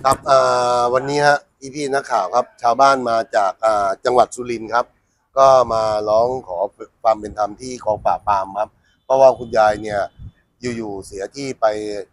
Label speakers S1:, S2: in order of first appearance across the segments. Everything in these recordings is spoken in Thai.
S1: ครับวันนี้ฮะพี่นักข่าวครับชาวบ้านมาจากจังหวัดสุรินทร์ครับก็มาร้องขอความเป็นธรรมที่กองปราบปรามครับเพราะว่าคุณยายเนี่ยอยู่ๆเสียที่ไป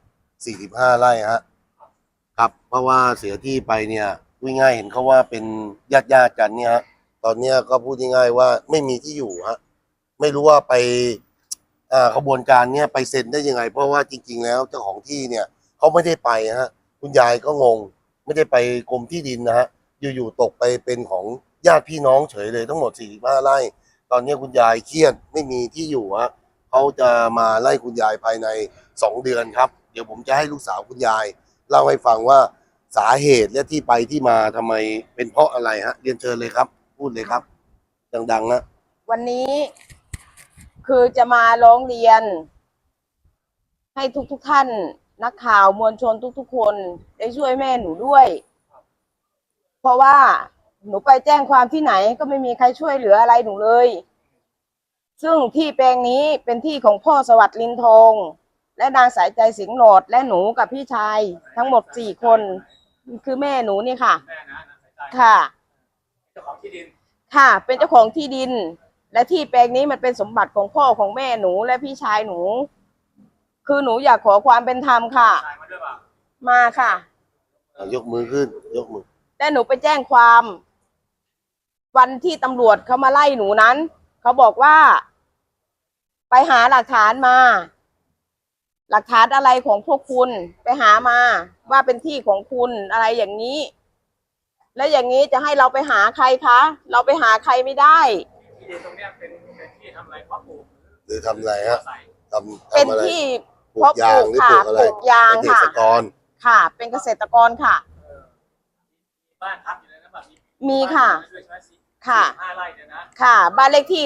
S1: 45ไร่ฮะครับเพราะว่าเสียที่ไปเนี่ยพูดง่ายเห็นเขาว่าเป็นญาติกันเนี่ยฮะตอนเนี้ยก็พูดง่ายๆว่าไม่มีที่อยู่ฮะไม่รู้ว่าไปขบวนการเนี่ยไปเซ็นได้ยังไงเพราะว่าจริงๆแล้วเจ้าของที่เนี่ยเขาไม่ได้ไปฮะคุณยายก็งง ไม่ได้ไปกรมที่ดินนะฮะอยู่ๆตกไปเป็นของญาติพี่น้องเฉยเลยทั้งหมด45ไร่ตอนนี้คุณยายเครียดไม่มีที่อยู่ฮะเขาจะมาไล่คุณยายภายใน2 เดือนครับเดี๋ยวผมจะให้ลูกสาวคุณยายเล่าให้ฟังว่าสาเหตุและที่ไปที่มาทำไมเป็นเพราะอะไรฮะเรียนเชิญเลยครับพูดเลยครับดังๆนะ
S2: วันนี้คือจะมาร้องเรียนให้ทุกท่านนักข่าวมวลชนทุกคนได้ช่วยแม่หนูด้วย เพราะว่าหนูไปแจ้งความที่ไหนก็ไม่มีใครช่วยเหลืออะไรหนูเลย ซึ่งที่แปลงนี้เป็นที่ของพ่อสวัสดิ์ลินทองและนางสายใจสิงห์โหลดและหนูกับพี่ชายทั้งหมด4 คนคือแม่หนูนี่ค่ะค่ะเจ้าของที่ดินค่ะเป็นเจ้าของที่ดินและที่แปลงนี้มันเป็นสมบัติของพ่อของแม่หนูและพี่ชายหนูคือหนูอยากขอความเป็นธรรมค่ะมาค่ะ
S1: ยกมือขึ้นยกมือ
S2: แต่หนูไปแจ้งความวันที่ตำรวจเขามาไล่หนูนั้นเขาบอกว่าไปหาหลักฐานมาหลักฐานอะไรของพวกคุณไปหามาว่าเป็นที่ของคุณอะไรอย่างนี้แล้วอย่างนี้จะให้เราไปหาใครคะเราไปหาใครไม่ได้
S3: ที่ดินตรงเนี้ยเป็นที่ทำอะไรเพาะปลูก
S1: หรือทำอะไรฮะ
S2: เป็นที่เพาะปลูกค่ะปลูกยางค่ะค่ะเป็นเกษตรกรค่ะ
S3: บ้านพักอยู่ในนั้นแบบ
S2: มีค่ะค่ะ
S3: 5 ไร่เนี่ยนะ
S2: ค่ะบ้านเลขที่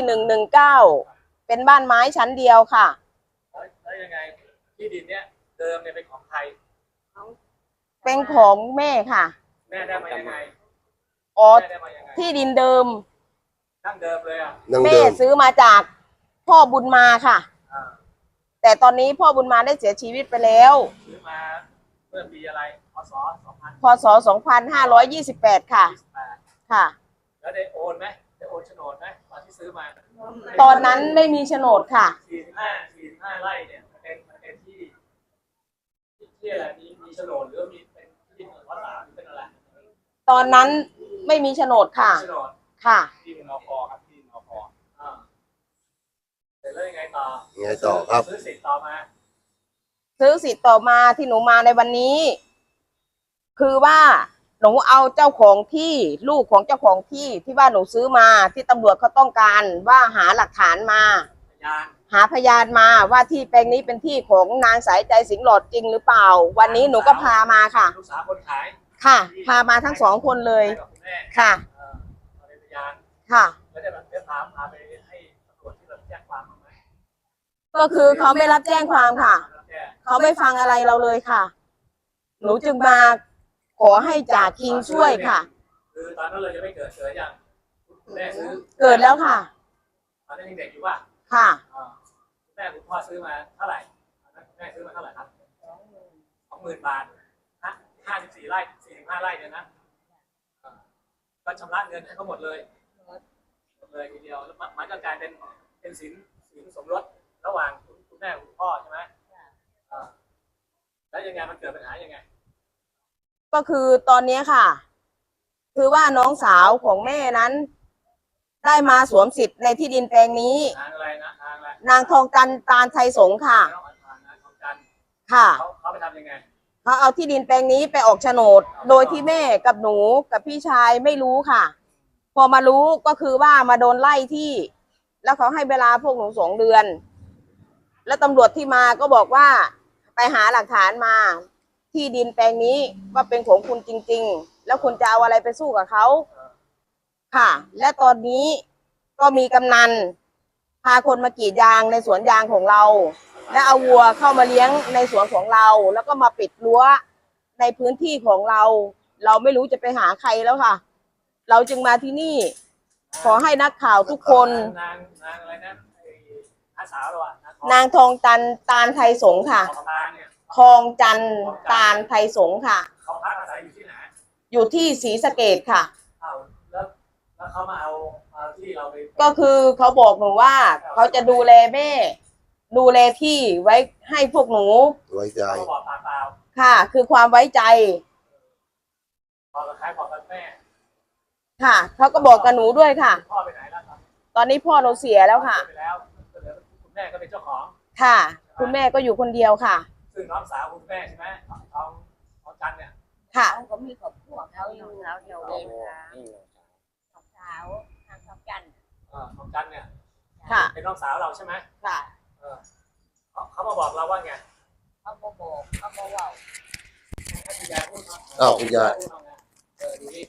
S2: 119เป็นบ้านไม้ชั้นเดียวค่ะ
S3: แล้วยังไงที่ดินเนี้ยเดิมเนี่ยเป็นของใคร
S2: เป็นของแม่ค่ะ
S3: แม่ได้มายังไง
S2: อ๋อที่ดินเดิม
S3: ดั้งเดิมเลยอ่ะ
S2: แม่ซื้อมาจากพ่อบุญมาค่ะแต่ตอนนี้พ่อบุญมาได้เสียชีวิตไปแล้ว
S3: ซื้อมาเมื่อปีอะไร
S2: พศ2528ค่ะค่ะ
S3: แล้วได้โอนไหมได้โอนโฉนดไหมตอนที่ซื้อมา
S2: ตอนนั้นไม่มีโฉนดค่ะ
S3: 45ไร่เนี่ยเป็นที่อะไรมีโฉนดหรือมีเป็นที่ดินวัดสามหรือเป็นอะไร
S2: ตอนนั้นไม่มีโฉนดค่ะค่ะ
S3: ที่ดินนคครับที่ดินนคเสร็จแล้วยังไงต่อ
S1: ครับ
S3: ซื้อสิทธิ์ต่อมา
S2: ที่หนูมาในวันนี้ คือว่าหนูเอาเจ้าของที่ลูกของเจ้าของที่ว่าหนูซื้อมาที่ตำรวจเขาต้องการว่าหาหลักฐานมาหาพยานมาว่าที่แปลงนี้เป็นที่ของนางสายใจสิงห์หลอดจริงหรือเปล่าวันนี้หนูก็พามาค่ะ
S3: ลูกสาวคนขาย
S2: ค่ะพามาทั้ง2 คนเลยค่ะค่ะ
S3: แล้วจะแบบพาไปให้ตำรวจที่รับแจ้งความไหม
S2: ก็คือเขาไม่รับแจ้งความค่ะเขาไม่ฟังอะไรเราเลยค่ะหนูจึงมาขอให้จ่าคิงช่วยค่ะ
S3: คือตอนนั้นเราจะไม่เกิดยังแม่ซื้อ
S2: เกิดแล้วค่ะ
S3: ตอนนั้นยังเด็กอยู่ป่ะ
S2: ค่ะ
S3: แม่คุณพ่อซื้อมาเท่าไหร่แม่ซื้อมาเท่าไหร่ครับ20,000 บาท54 ไร่45 ไร่เนี่ยนะก็ชำระเงินให้เขาหมดเลยทีเดียวแล้วมันก็กลายเป็นสินสมรสระหว่างคุณแม่คุณพ่อใช่ไหมแล้วยังไงมันเกิดปัญหายังไง
S2: ก็คือตอนนี้ค่ะคือว่าน้องสาวของแม่นั้นได้มาสวมสิทธิ์ในที่ดินแปลงนี้
S3: นางอะไรนะ
S2: นางทองจันทร์ตาลไทยสงฆ์ค่ะค่ะ
S3: เขาไปทำยังไง
S2: เขาเอาที่ดินแปลงนี้ไปออกโฉนดโดยที่แม่กับหนูกับพี่ชายไม่รู้ค่ะพอมารู้ก็คือว่ามาโดนไล่ที่แล้วเขาให้เวลาพวกหนู2 เดือนแล้วตำรวจที่มาก็บอกว่าไปหาหลักฐานมาที่ดินแปลงนี้ว่าเป็นของคุณจริงๆแล้วคุณจะเอาอะไรไปสู้กับเขาค่ะและตอนนี้ก็มีกำนันพาคนมากรีดยางในสวนยางของเราและเอาวัวเข้ามาเลี้ยงในสวนของเราแล้วก็มาปิดรั้วในพื้นที่ของเราเราไม่รู้จะไปหาใครแล้วค่ะเราจึงมาที่นี่ขอให้นักข่าวทุกคน
S3: นางอะไรนะอาสาวหร
S2: อนางทองจันทร์ตาลไทยสงฆ์ค่ะทองจันทร์ตาลไทยสงฆ์ค่ะ
S3: เขาพักอาศัยอยู่ที่ไหน
S2: อยู่ที่ศรีสะเกษค่ะ
S3: เอาแล้วเขามาเอาที่เราไป
S2: ก็คือเขาบอกหนูว่าเขาจะดูแลแม่ ดูแลที่ไว้ให้พวกหนู
S1: ไว้ใจ
S3: เขาบอกปากเปล่า
S2: ค่ะ คือความไว้ใจ
S3: บอกกับใครบอกกับแม่
S2: ค่ะเขาก็บอกกับหนูด้วยค่ะ
S3: พ่อไปไหนแล้วครับ
S2: ตอนนี้พ่อเราเสียแล้วค่ะ
S3: ไปแล้วก็เหลือคุณแม่ก็เป็นเจ้าของ
S2: ค่ะ คุณแม่ก็อยู่คนเดียวค่ะ
S3: ซึ่งน้องสาวคุณแม่ใช่ไหมของจันเนี่ย
S2: ค่ะ
S4: เขาก็มีครอบครัวเขาอยู่แล้วเดียวเองค่ะน้องสาวทางสองจันทร์
S3: ของจันเนี่ย
S2: ค่ะ
S3: เป็นน้องสาวเราใช่ไหม
S2: ค่ะ
S3: เออเขามาบอกเราว่าไง
S4: เขาบอกเขาบอกว่า
S3: ให้คุณยายพูดเนาะ
S1: อ้าวคุณยาย
S3: พูดเอาไงดูนี่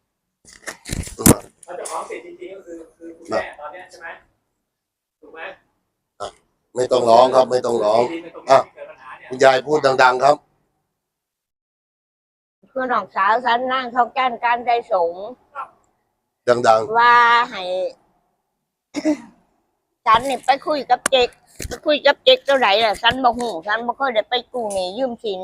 S3: เขาเจ้าของสิทธิ์จริงๆก็คือคุณแม่ตอนเนี้ยใช่ไหมถูกไหม
S1: ไม่ต้องร้องครับ ไม่ต้องร้อง
S3: ที่ดินในตรงนี้ที่เกิดปัญหาเนี่ย
S1: คุณยายพูดดังๆครับ
S4: คือน้องสาวฉันนั่งเขาแก้นการใจสงฆ์
S1: ดัง
S4: ว่าให้ ฉันเนี่ยไปคุยกับเจ๊กเท่าไหร่ล่ะฉันบอกหูฉันบ่เคยได้ไปกู้หนี้ยืมสิน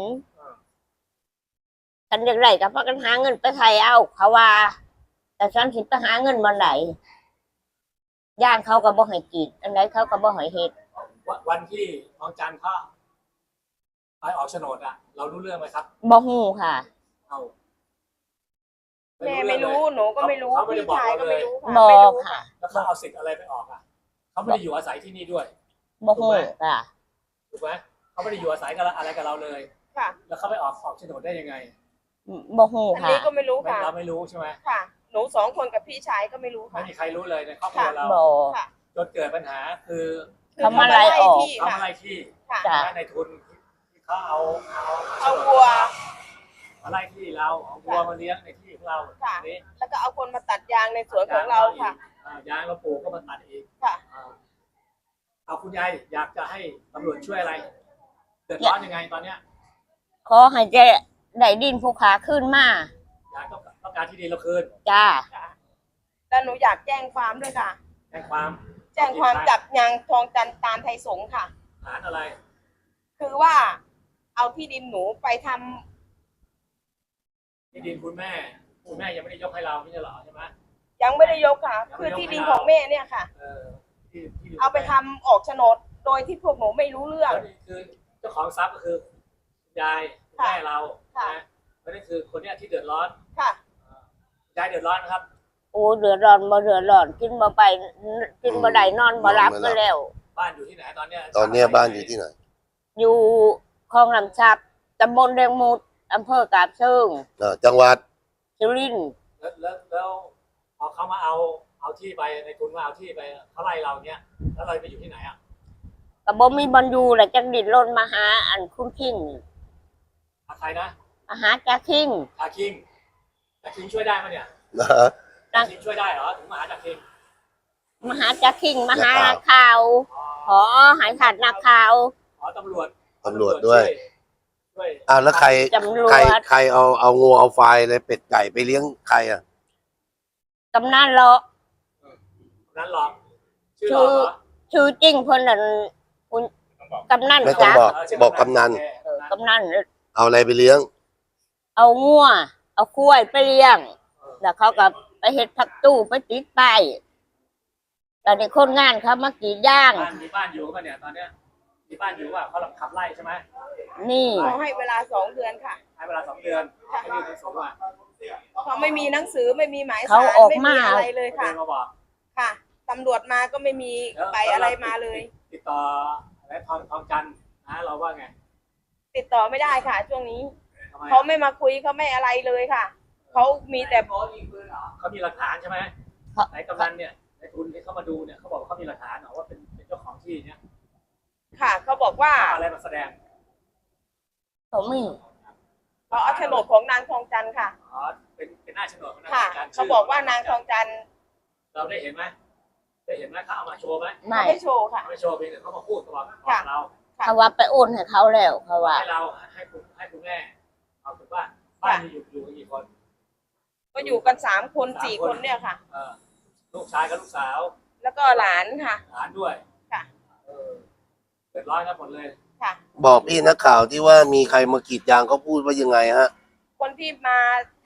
S4: ฉันอยากได้กับพากันหาเงินไปไทยเอาเขาว่า แต่ฉันสิไปหาเงินวันไหนย่างเขาก็บ่ให้กินอันไหนเขาก็บ่ให้เฮ็ด
S3: วันที่น้องจันเขาไปออกโฉนดอะเรารู้เรื่องไหมครับ
S4: บ่ฮู้ค่ะ
S3: เอา
S2: แม่ไม่รู้หนูก็ไม่รู้
S3: เขาไม่ได้
S2: พี่
S3: บอก
S2: ชาย
S3: เรา
S2: ก็
S3: เล
S2: ไม่
S3: ย
S2: รู้ค่ะ
S4: บอ
S2: ไม่
S4: ก
S2: รู้
S4: ค่ะ
S3: แล้วเขาเอาสิทธิ์อะไรไปออกอะเขาไม่ได้อยู่อาศัยที่นี่ด้วย
S4: บ่ฮู้ค่ะ
S3: ถูกไหมเขาไม่ได้อยู่อาศัยกับอะไรกับเราเลย
S2: ค่ะ
S3: แล้วเขาไปออกโฉนดได้ยังไง
S4: บ่ฮู้
S2: อัน
S4: ค่ะ
S2: นี้ก็ไม่รู้ค่ะ
S3: เราไม่รู้ใช่ไหม
S2: ค่ะ หนูสองคนกับพี่ชายก็ไม่รู้
S3: ไม่
S2: ค่ะ
S3: มีใครรู้เลยในครอบครัวเรา
S4: บ่
S2: ค่ะ
S3: จนเกิดปัญหาคือ
S4: เขามาไล่ออก
S2: ที่
S3: เขา
S2: ค่ะ
S3: อะไรที่
S2: ค่ะ
S4: จ้ะ
S3: ในทุนที่เขาเอา
S2: เอาวัว
S3: อะไรที่เราเอาวัวมาเลี้ยงในที่ของเรา
S2: ค่ะ
S3: อันนี้
S2: แล้วก็เอาคนมาตัดยางในสวนของเราค่ะ
S3: ยางเราปลูกก็มาตัดอีก
S2: ค่ะ
S3: เอาคุณยายอยากจะให้ตำรวจช่วยอะไรเดือดร้อนยังไงตอนเนี้ย
S4: ขอให้เจ๊ได้ดินภูขาขึ้นมา
S3: อยากต้องการที่ดินเราคืน
S4: จ้า
S2: ค่ะแล้วหนูอยากแจ้งความด้วยค่ะ
S3: แจ้งความ
S2: แจ้งความจับยางทองจันตาลไทยสงฆ์ค่ะ
S3: ฐานอะไร
S2: คือว่าเอาที่ดินหนูไปทำ
S3: ที่ดินคุณแม่ยังไม่ได้ยกให้เราไม่ใช่เหรอใช่ไหม
S2: ยังไม่ได้ยกค่ะ คือที่ดินของแม่เนี่ยค่ะ
S3: ที่ดิน
S2: เอาไปทำออกโฉนดโดยที่พวกหนูไม่รู้เรื่อง
S3: แล้วนี่คือเจ้าของทรัพย์ก็คือคุณยายคุณแม่เรา
S2: ค่ะ
S3: นะแล้วนี่คือคนเนี้ยที่เดือดร้อน
S2: ค่ะ
S3: ยายเดือดร้อนนะครับ
S4: โอ้เดือดร้อนบ่เดือดร้อนกินบ่ไปกินบ่ได้นอนบ่หลับก็แล้ว
S3: บ้านอยู่ที่ไหนตอนเนี้ย
S1: ๆ ตอนเนี้ยบ้านอยู่ที่ไหน
S4: อยู่คลองลำชับตำบลแดงมุดอำเภอกาบเชิง
S1: จังหวัด
S4: สุรินทร์
S3: แล้วพอเขามาเอาที่ไปในทุนว่าเอาที่ไปเขาไล่เราเนี้ยแล้วเราไปอยู่ที่ไหนอ่ะ
S4: ก็บ่มีบอลอยู่แหละจังดินรนมาหาอันคุณคิง
S3: ใครนะ
S4: มาหาจาคิง
S3: อาคิงอาคิงช่วยได้ไหมเนี่ย
S1: นะฮะ
S3: อาคิงช่วยได้เหรอถึงมาหาจากคิง
S4: มาหาจาคิงมาหานักข่าวขอหายขาดนักข่าว
S3: ขอตำรวจ
S1: ตำรวจด้วย
S3: ช่วย
S1: อ้าวแล้วใคร
S4: ตำรวจ
S1: ใครเอางูเอาไฟอะไรเป็ดไก่ไปเลี้ยงใครอ่ะ
S4: กำนันเลาะ
S3: นั้นหรอกชื่อหรอกเหรอ
S4: ชื่อจริงเพิ่นนั่นคุณกำนัน
S1: ไม่ต้อง
S4: จ้ะ
S1: บอกกำนัน
S4: กำนัน
S1: เอาอะไรไปเลี้ยง
S4: เอางัวเอากล้วยไปเลี้ยง แล้วเขาก็ไปเฮ็ดผักตู้ไปติดป้ายแล้วในคนงานเขามากรีดย่าง
S3: มีบ้านอยู่ป่ะเนี่ยตอนเนี้ยมีบ้านอยู่ว่าเขาขับไล่ใช่ไหม
S4: นี่
S2: ขอให้เวลา2 เดือนค่ะ
S3: ให้เวลา2 เดือนให้ยื่นหนังสือมา
S2: เขาไม่มีหนังสือไม่มีหมาย
S4: เขา
S2: สาร
S4: ออก
S2: ไม่
S4: มา
S2: มีอะไรเลย
S3: เดิ
S2: ค่ะ
S3: นมาบอก
S2: ค่ะตำรวจมาก็ไม่มีใบอะไรมาเลย
S3: ติดต่ออะไรทองจันทร์นะเราว่าไง
S2: ติดต่อไม่ได้ค่ะ ช่วงนี้
S3: ทำไม
S2: เขาไม่มาคุยเขาไม่อะไรเลยค่ะเขามีแต่
S3: เขามีหลักฐานใช่ไหมไหนกำนันเนี่ยในทุนที่เขามาดูเนี่ยเขาบอกว่าเขามีหลักฐานเหรอว่าเป็นเจ้าของที่เนี่ย
S2: ค่ะเขาบอกว่า
S3: เอาอะไรมาแสดง
S4: เขามี
S2: เขาเอาโฉนดของนางทองจันทร์ค่ะ
S3: อ๋อเป็นหน้าโฉนดของนาง
S2: ค่ะ
S3: จันทร์
S2: เขาบอกว่านางทองจันทร์
S3: เราได้เห็นไหมได้เห็นไหมเขาเอามาโชว์ไหม
S4: ไม่
S2: ไม่โชว์ค่ะ
S3: ไม่โชว์เพียงแต่เขามาพูดกับเรา
S4: เขาว่าไปโอนให้เขาแล้วเขาว่า
S3: ให้เราให้คุณแม่เอาถือว่าบ้านมีอยู่กี่คน
S2: ก็อยู่กัน3 คน4 คนเนี่ยค่ะ
S3: ลูกชายกับลูกสาว
S2: แล้วก็หลานค่ะ
S3: หลานด้วย
S2: ค่ะ
S3: เดือดร้อนกันหมดเลย
S2: ค่ะ
S1: บอกพี่นักข่าวที่ว่ามีใครมากรีดยางเขาพูดว่ายังไงฮะ
S2: คนที่มาถ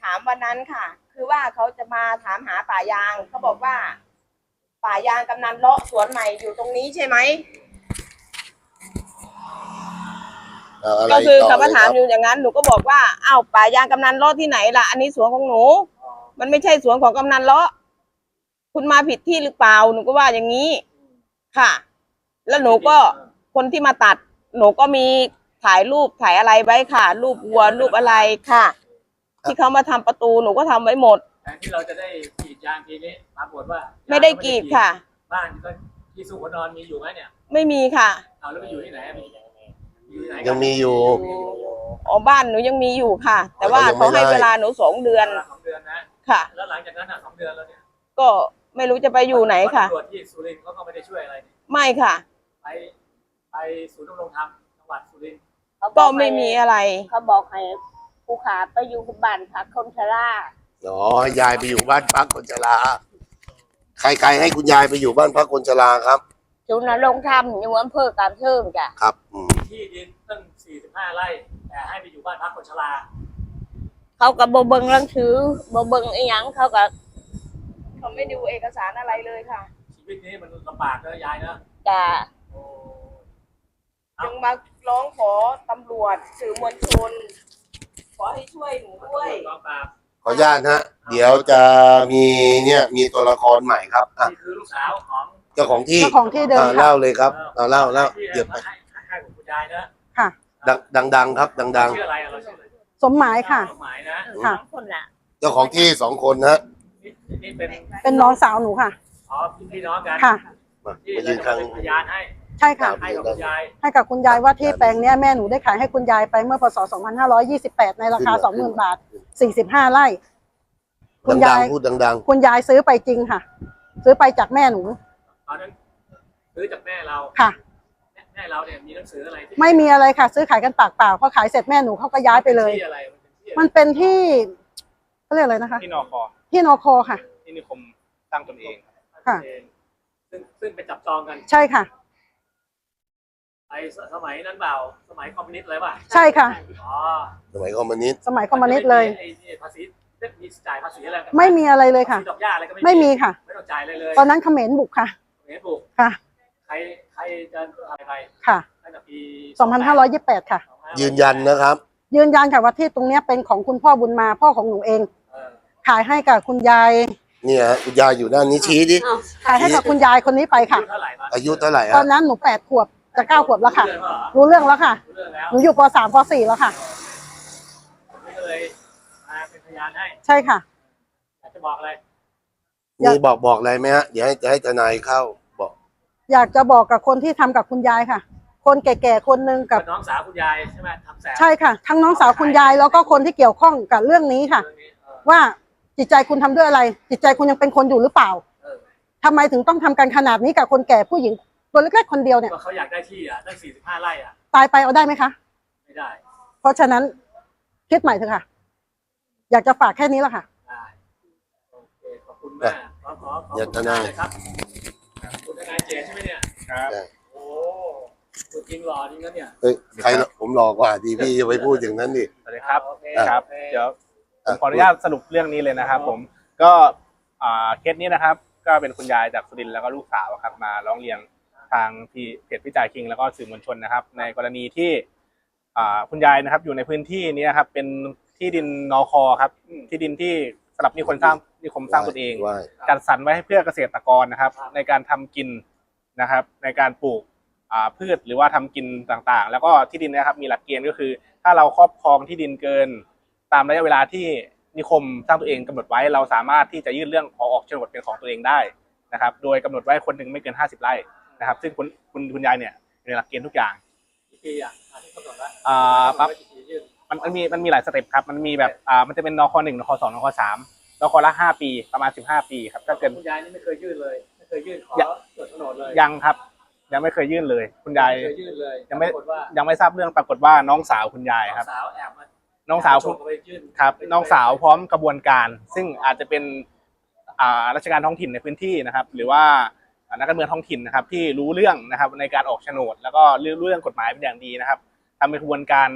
S2: ามวันนั้นค่ะ คือว่าเขาจะมาถามหาป่ายางเขาบอกว่า ป่ายางกำนันเลาะสวนใหม่อยู่ตรงนี้ใช่ไหม
S1: อะไร
S2: ก็คือ
S1: ต่
S2: เขามา
S1: ลย
S2: ถาม
S1: รับ
S2: อยู่อย่างนั้นหนูก็บอกว่าอ้าวป่ายางกำนันเลาะที่ไหนล่ะอันนี้สวนของหนู มันไม่ใช่สวนของกำนันเลาะคุณมาผิดที่หรือเปล่าหนูก็ว่าอย่างนี้ค่ะ แล้วหนูก็คนที่มาตัด หนูก็มีถ่ายรูปถ่ายอะไรไว้ค่ะ รูปวัวรูปอะไรค่ะ ที่เขามาทำประตูหนูก็ทำไว้หมด
S3: แทนที่เราจะได้กรีดยางทีนี้ปรากฏว่า
S2: ไม่ได้กรีดค่ะ
S3: บ้านก็ที่สุขนอนมีอยู่ไหมเนี่ย
S2: ไม่มีค่ะ
S3: เอาแล้วไปอยู่ที่ไหนอะอยู่ที่ไหนกัน
S1: ยังมีอยู่
S2: อ๋อบ้านหนูยังมีอยู่ค่ะ แต่ว่า
S1: ยังไม่
S2: เขาให้
S1: ได้
S2: เวลาหนู2 เดือน
S3: 2 เดือนนะ
S2: ค่ะ
S3: แล้วหลังจากนั้นอ่ะ2 เดือนแล้วเนี่ย
S2: ก็ไม่รู้จะไปอยู่ไหนค่ะ
S3: ตำรวจที่สุรินทร์เขาก็ไม่ได้ช่วยอะไรนี่
S2: ไม่ค่ะ
S3: ไปศูนย์ดำรงธรรมจังหวัดสุรินทร์
S4: เขาบ
S2: ก็
S4: อก
S2: ไม่มีอะไร
S4: เขาบอกให้ผู้ขาไปอยู่บ้านพักคนชรา
S1: อ๋อให้ยายไปอยู่บ้านพักคนชราใครให้คุณยายไปอยู่บ้านพักคนชราครับ
S4: ศูนย์นรงค์ธรรมอยู่อำเภอกาบเชิงจ้ะ
S1: ครับ
S3: ที่ดินตั้ง45 ไร่แต่ให้ไปอยู่บ้านพักคนชรา
S4: เขาก็บ่เบิ่งหนังสือบ่เบิ่งอีหยังเขาก็
S2: เขาไม่ดูเอกสารอะไรเลยค่ะ
S3: ชีวิตนี้มันลำบากนะยายนะ
S4: จะ
S3: โอ้
S2: ยังมาร้องขอตำรวจสื่อมวลชน ขอให้ช่วยหนูด้วย
S3: กองปราบ
S1: ขออนุญาตนะเดี๋ยวจะมีเนี่ยมีตัวละครใหม่ครับอ่ะ
S3: นี่คือลูกสาวของ
S1: เจ้าของที่
S5: เจ้าของที่เดิมค่ะ
S1: เล่าเลยครับเล่าเดี๋
S3: เดี๋
S1: ยวไป
S3: ให้คุณยายนะ
S5: ค่ะ
S1: ดังๆครับดัง
S3: ชื่ออะไรเราชื่ออะไร
S5: สมหมายค่ะ
S3: สมหมายนะ
S5: ค่ะ
S4: สองคนน่ะ
S1: ๆเจ้าของที่2 คนนะ
S3: นี่เป็น
S5: เป็นน้องสาวหนูค่ะ
S3: อ๋อพี่น้องกัน
S5: ค่ะ
S1: มา
S3: ที่
S1: มา
S3: เรา
S1: ยืน
S3: จะ
S1: ข้าง
S3: เป็นพยานให้
S5: ใช่ค่ะ
S3: ให้กับคุณยาย
S5: ให้กับคุณยายว่าที่แปลงเนี้ยแม่หนูได้ขายให้คุณยายไปเมื่อพศ 2528 ในราคา 20,000 บาท 45 ไร่ คุณยาย
S1: ดังๆพูดดัง
S5: คุณยายซื้อไปจริงค่ะ ซื้อไปจากแม่หนู
S3: ตอนนั้นซื้อจากแม่เรา
S5: ค่ะ
S3: แม่เราเนี่ยมีหนังสืออะไรที่
S5: ไม่มีอะไรค่ะ ซื้อขายกันปากเปล่าพอขายเสร็จแม่หนูเขาก็ย้ายไปเลย
S3: ที่อะไร
S5: มันเป็นที่เขาเรียกอะไรนะคะ
S6: ที่นอคอ
S5: ที่นคค่ะ
S6: ที่นิคมสร้างตนเอง
S5: ค่ะ
S3: ซึ่งไปจับจองกัน
S5: ใช่ค่ะ
S3: ไอ้สมัยนั้นเปล่าสมัยคอมมิวนิสต์เลยป่ะ
S5: ใช่ค่ะ
S3: อ๋อ
S1: ๆสมัยคอมมิวนิสต์
S5: สมัยคอมมิวนิสต์เลย
S3: ไอ้ภาษีมีจ่ายภาษีอะไรกัน
S5: ไม่มีอะไรเลยค่ะ
S3: ภาษีดอกหญ้าอะไรก็
S5: ไม่มีค่ะ
S3: ไม่ต้องจ่ายอะไรเลย
S5: ตอนนั้นเขมรบุกค่ะ
S3: เห็นปลูก
S5: ค่ะ
S3: ใครจะทำอะไร
S5: ค่ะ
S3: ตั้งแต่ปี
S5: 2528 ค่ะ
S1: ยืนยันนะครับ
S5: ยืนยันค่ะว่าที่ตรงเนี้ยเป็นของคุณพ่อบุญมาพ่อของหนูเอง
S3: เออ
S5: ขายให้กับคุณยาย
S1: เนี่ยฮะคุณยายอยู่ด้านนี้ชี้ดิ
S5: ขายให้กับคุณยายคนนี้ไปค่ะ
S3: อายุเท่าไหร่มา
S1: อายุเท่าไหร่
S5: ตอ
S1: ฮะ
S5: นนั้นหนู8 ขวบจะ9 ขวบแล้วค่ะ
S3: รู้เรื่องเหรอ
S5: รู้เรื่องแล้วค่ะ
S3: รู้เรื่องแล้ว
S5: หนูอยู่ป3ป4แล้วค่ะ
S3: ผมก็เลยมาเป็นพยานให้
S5: ใช่ค่ะ
S3: อยากจะบอกอะไร
S1: มีบอกอะไรไหมฮะเดี๋ยวให้ทนายเข้าบอก
S5: อยากจะบอกกับคนที่ทำกับคุณยายค่ะ คนแก่ๆคนหนึ่งกับ
S3: น้องสาวคุณยายใช่ไหมทำแสบ
S5: ใช่ค่ะ ทั้งน้องสาวคุณยายแล้วก็คนที่เกี่ยวข้องกับเรื่องนี้ค่ะ
S3: เรื่องนี้เออ
S5: ว่าจิตใจคุณทำด้วยอะไร จิตใจคุณยังเป็นคนอยู่หรือเปล่า
S3: เออ
S5: ทำไมถึงต้องทำกันขนาดนี้กับคนแก่ผู้หญิงตัวเล็กๆคนเดียวเนี่ย
S3: ก็เขาอยากได้ที่อ่ะตั้ง45 ไร่อ่ะ
S5: ตายไปเอาได้ไหมคะ
S3: ไม่ได้
S5: เพราะฉะนั้นคิดใหม่เถอะค่ะ อยากจะฝากแค่นี้แหละค่ะ
S3: ได้โอเคขอบคุณมากขอ
S1: อย่าทนาย
S3: เลยครับคุณทนายเจตใช่ไหมเนี่ย
S6: ครับ
S3: โอ้คุณจริงหล่อจริงนะเนี่ย
S1: เฮ้ยใครผมหลอกกว่าดีพี่จะไปพูดอย่างนั้นดิ
S6: สวัสดีครับ
S3: โอเค
S6: ครับ
S3: โอเค
S6: เดี๋ยวผมขออนุญาตสรุปเรื่องนี้เลยนะครับผมก็เคสนี้นะครับ ก็เป็นคุณยายจากสุรินทร์แล้วก็ลูกสาวครับมาร้องเรียนทางเพจวิจัยคิงแล้วก็สื่อมวลชนนะครับ ในกรณีที่คุณยายนะครับอยู่ในพื้นที่นี้ครับเป็นที่ดินนคครับที่ดินที่สำหรับนิคมสร้างตนเอง
S1: ว่า
S6: จัดสรรไว้ให้เพื่อเกษตรกรนะครับ ในการทำกินนะครับ ในการปลูกพืชหรือว่าทำกินต่างๆ แล้วก็ที่ดินนะครับมีหลักเกณฑ์ก็คือ ถ้าเราครอบครองที่ดินเกิน ตามระยะเวลาที่นิคมสร้างตัวเองกำหนดไว้เราสามารถที่จะยื่นเรื่องขอออกโฉนดเป็นของตัวเองได้นะครับ โดยกำหนดไว้คนหนึ่งไม่เกิน50 ไร่นะครับ ซึ่งคุณยายเนี่ยในหลักเกณฑ์ทุกอย่าง
S3: กี่ปีอ่ะที่กำหนดไว้
S6: ปั๊บ
S3: กี่ปียื่น
S6: มันมีหลายสเต็ปครับมันมีแบบมันจะเป็นนค1นค2นค3นคละ5 ปีประมาณ15 ปีครับถ้าเกิด
S3: คุณยายนี่ไม่เคยยื่นเลย ไม่เคยยื่นขอจดโฉนดเลย
S6: ยังครับยังไม่เคยยื่นเลย คุณยาย
S3: ไม่เคยยื่นเลย
S6: ยังไม่
S3: ปรากฏว่า
S6: ยังไม่ทราบเรื่องปรากฏว่าน้องสาวคุณยาย
S3: น้อง
S6: ครับ
S3: สาวแอบมา
S6: น้องสาว
S3: ส่งไปยื่น
S6: ครับน้องสาวพร้อมกระบวนการ ซึ่งอาจจะเป็นราชการท้องถิ่นในพื้นที่นะครับ หรือว่านักการเมืองท้องถิ่นนะครับ ที่รู้เรื่องนะครับในการออกโฉนด แล้วก็รู้เรื่องกฎหมายเป็นอย่างดีนะครับทำเป็นกระบวนการ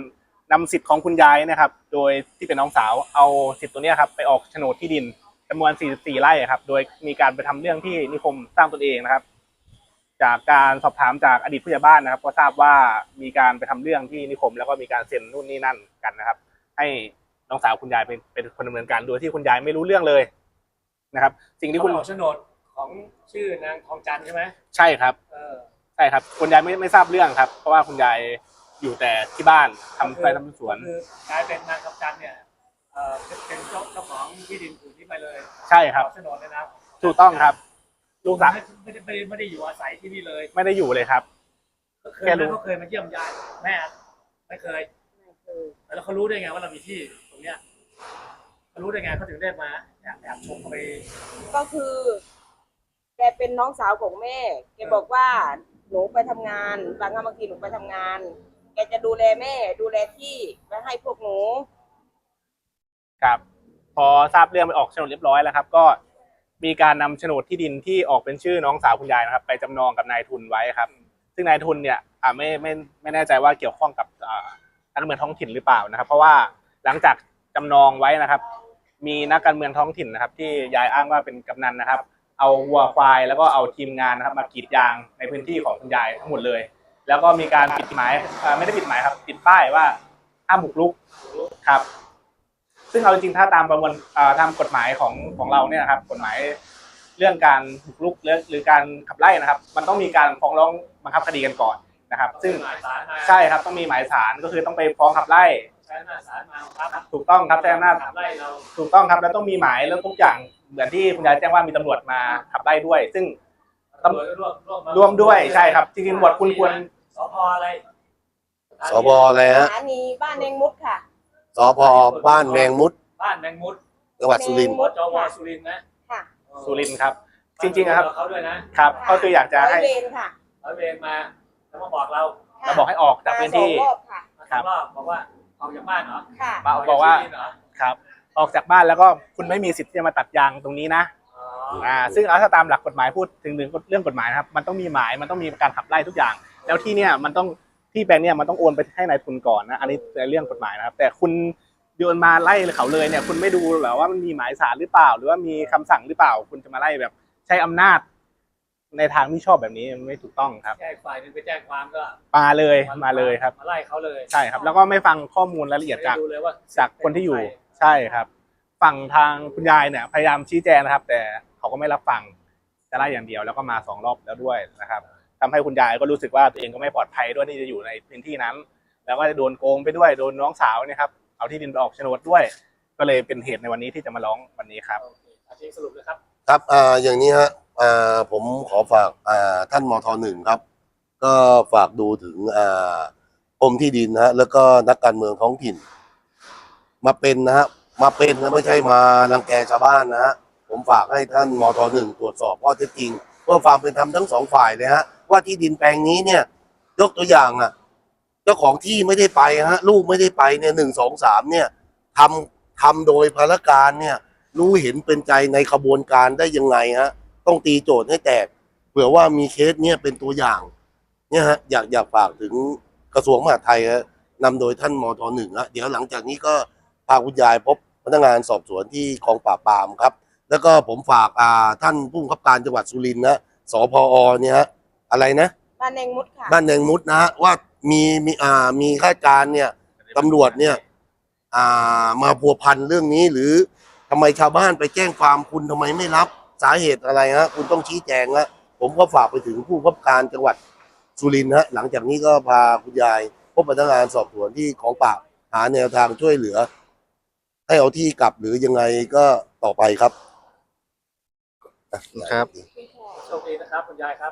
S6: นำสิทธิ์ของคุณยายนะครับโดยที่เป็นน้องสาวเอาสิทธิ์ตัวเนี้ยครับไปออกโฉนดที่ดินจำนวน44ไร่ครับโดยมีการไปทำเรื่องที่นิคมสร้างตนเองนะครับจากการสอบถามจากอดีตผู้ใหญ่บ้านนะครับก็ทราบว่ามีการไปทำเรื่องที่นิคมแล้วก็มีการเซ็นนู่นนี่นั่นกันนะครับให้น้องสาวคุณยายเป็นคนดำเนินการโดยที่คุณยายไม่รู้เรื่องเลยนะครับสิ่งที่
S3: คุ
S6: คุณ ณ
S3: ออกโฉนดของชื่อนางทองจันทร์ใช่ไหม
S6: ใช่ครับใช่ครับคุณยายไม่ทราบเรื่องครับเพราะว่าคุณยายอยู่แต่ที่บ้านทำไร่ทำสวน
S3: คือกลายเป็นนางทองจันทร์เนี่ยเป็นเจ้าของที่ดินผืนนี้ไปเลย
S6: ใช่ครับ
S3: ออกโฉนดเลยนะ
S6: ถูกต้องครับลูกสาว
S3: ไม่ได้อยู่อาศัยที่นี่เลย
S6: ไม่ได้อยู่เลยครับ
S3: เคยไหมเขาเคยมาเยี่ยมยายแม่ไม่เคยแล้วเขารู้ได้ไงว่าเรามีที่ตรงเนี้ยเขารู้ได้ไงเขาถึงได้มาแอบชมเขาไป
S2: ก็คือ แกเป็นน้องสาวของแม่ แกบอกว่าหนูไปทำงานบางทีหนูไปทำงาน แกจะดูแลแม่ดูแลที่ไว้ให้พวกหนู
S6: ครับพอทราบเรื่องไปออกโฉนดเรียบร้อยแล้วครับก็มีการนำโฉนดที่ดินที่ออกเป็นชื่อน้องสาวคุณยายนะครับไปจำนองกับนายทุนไว้ครับซึ่งนายทุนเนี่ยไม่แน่ใจว่าเกี่ยวข้องกับนักการเมืองท้องถิ่นหรือเปล่านะครับเพราะว่าหลังจากจำนองไว้นะครับมีนักการเมืองท้องถิ่นนะครับที่ยายอ้างว่าเป็นกำนันนะครับเอาวัวควายแล้วก็เอาทีมงานนะครับมากรีดยางในพื้นที่ของคุณยายทั้งหมดเลยแล้วก็มีการปิดหมายไม่ได้ปิดหมายครับติดป้ายว่าห้ามบุกรุกครับซึ่งเอาจริงๆถ้าตามประมวลตามกฎหมายของเราเนี่ยนะครับกฎหมายเรื่องการบุกรุกหรือการขับไล่นะครับมันต้องมีการฟ้องร้องบังคับคดีกันก่อนนะครับซึ่งใช่ครับต้องมีหมายศาลก็คือต้องไปฟ้องขับไล่
S3: ใช้อำนาจศาลมาครับ
S6: ถูกต้องครับใช้อำนาจ
S3: ขับไล่เรา
S6: ถูกต้องครับแล้วต้องมีหมายแล้วทุกอย่างเหมือนที่คุณยายแจ้งว่ามีตำรวจมาขับไล่ด้วย ซึ่ง
S3: ตำรวจ
S6: ร่วมด้วยใช่ครับจริงๆตำรวจคุณควร
S3: สพอะไร
S1: สพอะไรฮะ
S2: สถานีบ้านเนงมุดค่ะ
S1: สพบ้านแมงมุด
S3: บ้านแมงมุด
S1: จังหวัดสุรินทร์
S3: จวสุรินทร์นะ
S2: ค่ะ
S6: สุรินทร์ครับจริงๆนะครับ
S3: เขาด้วยนะครับ
S6: ก็คืออยากจะให้
S2: ร้อยเวรค่ะ
S3: ร้อยเวรมาแล้วมาบอกเรา
S2: ค่ะ
S6: เราบอกให้ออกจากพื้นที่
S2: มาสองรอบค่ะ
S3: มาสองรอบบอกว่าออกจากบ้านเหรอ
S2: ค่ะ
S6: บอกว่า
S3: จกที่ดินเหรอ
S6: ครับออกจากบ้านแล้วก็คุณไม่มีสิทธิ์ที่จะมาตัดยางตรงนี้นะ
S3: อ๋อ
S6: ซึ่งถ้าตามหลักกฎหมายพูดถึงเรื่องกฎหมายนะครับมันต้องมีหมายมันต้องมีการขับไล่ทุกอย่าง แล้วที่เนี่ยมันต้องที่แปลงเนี่ยมันต้องโอนไปให้นายทุนก่อนนะอันนี้ในเรื่องกฎหมายนะครับแต่คุณโยนมาไล่เขาเลยเนี่ยคุณไม่ดูหรอว่ามันมีหมายศาลหรือเปล่า หรือว่ามีคำสั่งหรือเปล่า คุณจะมาไล่แบบใช้อำนาจในทางที่ชอบแบบนี้มันไม่ถูกต้องครับ
S3: แจ้งฝ่ายหนึงไปแจ้งความก็
S6: มาเลยครับ
S3: มาไล่เขาเลย
S6: ใช่ครับ แล้วก็ไม่ฟังข้อมูลรายละเอียดจาก
S3: ไม่ดูเลยว่า
S6: จากคนที่อยู่ใช่ครับฝั่งทางคุณยายเนี่ยพยายามชี้แจงนะครับ แต่เขาก็ไม่รับฟังจะไล่อย่างเดียวแล้วก็มา2 รอบแล้วด้วยนะครับทำให้คุณยายก็รู้สึกว่าตัวเองก็ไม่ปลอดภัยด้วยที่จะอยู่ในพื้นที่นั้น แล้วก็จะโดนโกงไปด้วยโดนน้องสาวเนี่ยครับเอาที่ดินไปออกโฉนดด้วย ก็เลยเป็นเหตุในวันนี้ที่จะมาร้องวันนี้ครับ
S3: โอเคอาทิตย์สรุปเลยครับ
S1: ครับอย่างนี้ฮะผมขอฝากท่านมทหนึ่งครับ ก็ฝากดูถึงกรมที่ดินนะฮะแล้วก็นักการเมืองท้องถิ่น มาเป็นนะฮะมาเป็นนะไม่ใช่มารังแกชาวบ้านนะฮะผมฝากให้ท่านมทหนึ่งตรวจสอบข้อเท็จจริงเพื่อความเป็นธรรมทั้งสองฝ่ายเลยฮะว่าที่ดินแปลงนี้เนี่ยยกตัวอย่างเจ้าของที่ไม่ได้ไปฮะลูกไม่ได้ไปเนี่ย1 2 3เนี่ยทำโดยภารการเนี่ยรู้เห็นเป็นใจในขบวนการได้ยังไงฮะต้องตีโจทย์ให้แตกเผื่อว่ามีเคสเนี่ยเป็นตัวอย่างเนี่ยฮะอยากฝากถึงกระทรวงมหาดไทยฮะนำโดยท่านมทหนึ่งฮะเดี๋ยวหลังจากนี้ก็พาคุณยายพบพนักงานสอบสวนที่กองปราบปรามครับแล้วก็ผมฝากท่านผู้บังคับการจังหวัดสุรินทร์นะสพอเนี่ยฮะอะไรนะ
S2: บ้านเนงมุดค่ะ
S1: บ้านแดงมุดนะฮะว่ามีข้าราชการเนี่ยตำรวจเนี่ยมาพัวพันเรื่องนี้หรือทำไมชาวบ้านไปแจ้งความคุณทำไมไม่รับสาเหตุอะไรฮะคุณต้องชี้แจงฮะผมก็ฝากไปถึงผู้บังคับการจังหวัดสุรินทร์ฮะหลังจากนี้ก็พาคุณยายพบพนักงานสอบสวนที่ของปราบหาแนวทางช่วยเหลือ ให้เอาที่กลับหรือยังไงก็ต่อไปครับ
S6: ครับ
S3: โชคดีนะครับคุณยายครับ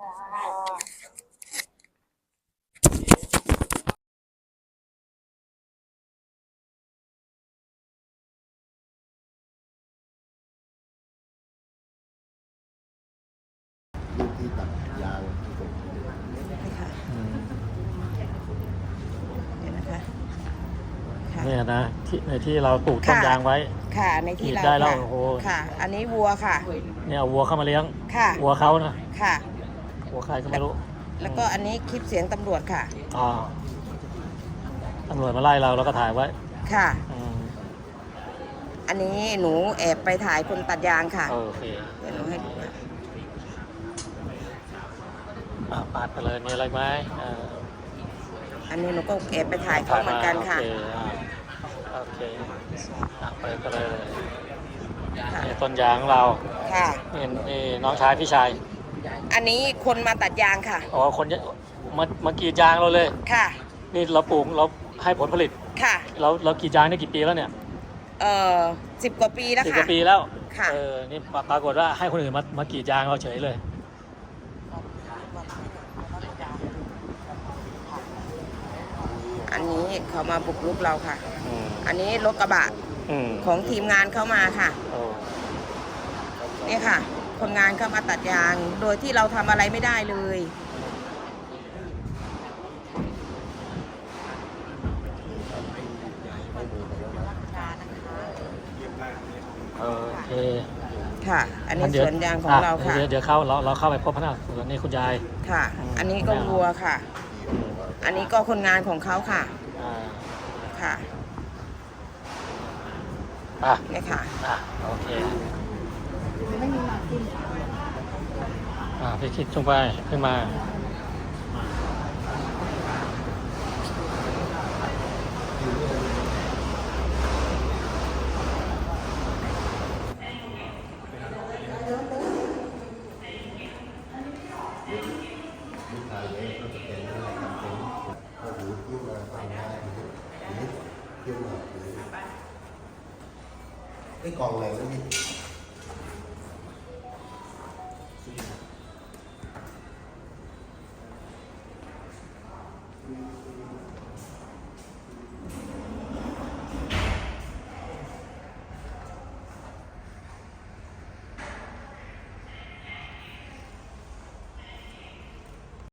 S1: ที่ตัดยาง
S7: เนี่ยนะที่ในที่เราปลูกต้นยางไว้
S2: ค่ะในที่เรา
S7: ได้แล้ว
S2: ค่ะ
S7: โอ้โห
S2: ค่ะ อันนี้วัวค่ะ
S7: เนี่ยเอาวัวเข้ามาเลี้ยง
S2: ค่ะ
S7: วัวเขานะ
S2: ค่ะ
S7: วัวใครก็ไม่รู้
S2: แล้วก็อันนี้คลิปเสียงตำรวจค่ะ
S7: อ่าตำรวจมาไล่เราก็ถ่ายไว้
S2: ค่ะ
S7: อืม
S2: อันนี้หนูแอบไปถ่ายคนตัดยางค่ะ
S7: โอเค
S2: เดี๋ยวหนูให้ดูค่ะ
S7: ปาดไปเลยมีอะไรไหม
S2: อันนี้หนูก็แอบไปถ่ายเขาเหมือนกันค่ะ
S7: โอเคเปิดกันเลย
S2: ค่ะ
S7: นี่ต้นยางของเรา
S2: ค่ะ
S7: นี่น้องชายพี่ชาย
S2: อันนี้คนมาตัดยางค่ะ
S7: อ๋อคนมากรีดยางเราเลย
S2: ค่ะ
S7: นี่เราปลูกเราให้ผลผลิต
S2: ค่ะ
S7: เรากรีดยางได้กี่ปีแล้วเนี่ย
S2: 10 กว่าปีแล้ว
S7: 10 ก
S2: ค่ะ
S7: ว่าปีแล้ว
S2: ค่ะ
S7: นี่ปรากฏว่าให้คนอื่นมากรีดยางเราเฉยเลย
S2: อันนี้เขามาบุกรุกเราค่ะ
S7: อืม
S2: อันนี้รถกระบะ
S7: อืม
S2: ของทีมงานเข้ามาค่ะ
S7: โอ้
S2: นี่ค่ะ คนงานเข้ามาตัดยาง โดยที่เราทำอะไรไม่ได้เลย
S7: โอเค
S2: ค่ะ อันนี้
S7: เดี๋
S2: สวนยางของเราค่ะ
S7: เดี๋ยวเราเข้าไปพบพนักงานสวนนี่คุณยาย
S2: ค่ะ อันนี้ก็วัวค่ะ อันนี้ก็คนงานของเขาค่ะ
S7: อ่า
S2: ค่ะ
S7: อ่ะ
S2: นี่ค่ะ
S7: โอเคพี่คิดลงไปขึ้นมา
S1: ไอ้กองอะไรนะพี่